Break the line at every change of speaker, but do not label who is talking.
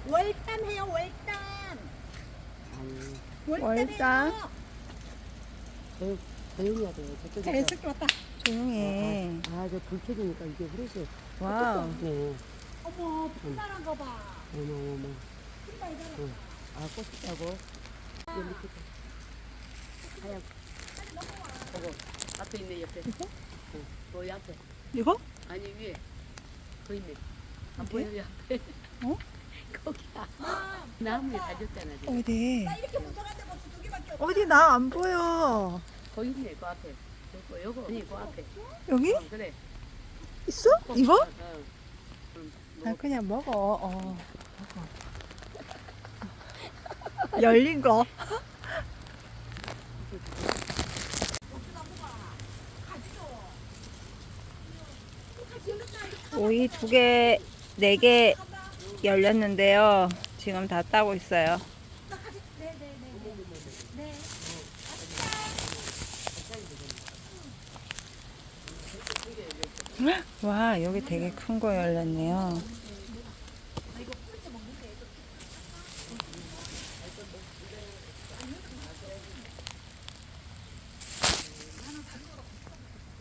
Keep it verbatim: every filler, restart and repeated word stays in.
월담 해요, 월담.
아니,
월담
월담?
해요.
조, 조용히 하세요. 저쪽에서.
자, 애석이 왔다.
조용해.
아, 저 불 켜지니까 이게 흐르시.
와우.
네.
어머, 풍만한 거 봐.
어머, 어머.
신발 이거.
응. 아, 꽃 있다고? 여기 밑에. 하얀. 저거. 앞에 있네, 옆에.
이거?
응. 거기 앞에.
이거?
아니, 위에. 거 있네. 안
어디?
보여요, 앞에.
어?
거기야.
아,
나무에 다졌잖아, 지금.
어디?
나 이렇게 무서운데 뭐 두 개밖에 없어.
어디 나 안 보여.
거기 있네, 그 앞에. 요거, 요거. 아니, 그 앞에.
여기?
어, 그래.
있어?
꼭,
이거?
어, 어. 응,
아
뭐,
그냥 먹어. 어. 먹어. 열린 거. 오이 두 개, 네 개 열렸는데요. 지금 다 따고 있어요. 와, 여기 되게 큰 거 열렸네요.